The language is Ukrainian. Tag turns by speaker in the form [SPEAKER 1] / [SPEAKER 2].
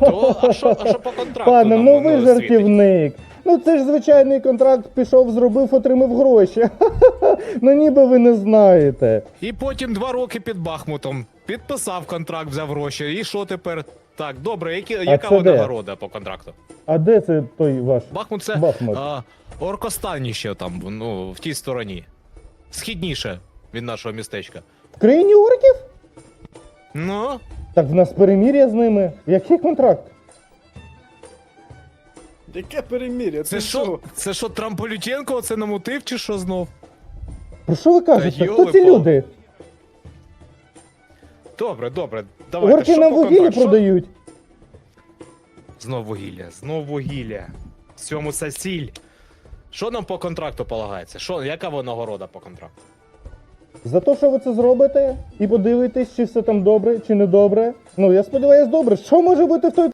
[SPEAKER 1] А що по контракту?
[SPEAKER 2] Пане,
[SPEAKER 1] нам
[SPEAKER 2] ну
[SPEAKER 1] воно
[SPEAKER 2] ви
[SPEAKER 1] світить?
[SPEAKER 2] жартівник. Ну це ж звичайний контракт, пішов, зробив, отримав гроші. Ну ніби ви не знаєте.
[SPEAKER 1] І потім 2 роки під Бахмутом. Підписав контракт, взяв гроші. І що тепер? Так, добре, яка
[SPEAKER 2] це де?
[SPEAKER 1] винагорода по контракту?
[SPEAKER 2] А де це той ваш?
[SPEAKER 1] Бахмут це
[SPEAKER 2] Бахмут.
[SPEAKER 1] Оркостанніще там, ну, в тій стороні. Східніше від нашого містечка.
[SPEAKER 2] В країні орків?
[SPEAKER 1] Ну,
[SPEAKER 2] Так в нас перемір'я з ними. Який контракт?
[SPEAKER 3] Яке перемір'я?
[SPEAKER 1] це що Трамполютєнко оце намутив чи що знов?
[SPEAKER 2] Про що ви кажете? Хто ці
[SPEAKER 1] йоли-пали.
[SPEAKER 2] люди?
[SPEAKER 1] Добре, давайте,
[SPEAKER 2] Орки
[SPEAKER 1] що
[SPEAKER 2] нам
[SPEAKER 1] по
[SPEAKER 2] вугілля
[SPEAKER 1] контракту? Що?
[SPEAKER 2] продають.
[SPEAKER 1] Знов вугілля. Сьому сіль. Що нам по контракту полагається? Яка винагорода по контракту?
[SPEAKER 2] За те, що ви це зробите, і подивитесь, чи все там добре, чи не добре. Ну, я сподіваюся, добре. Що може бути в той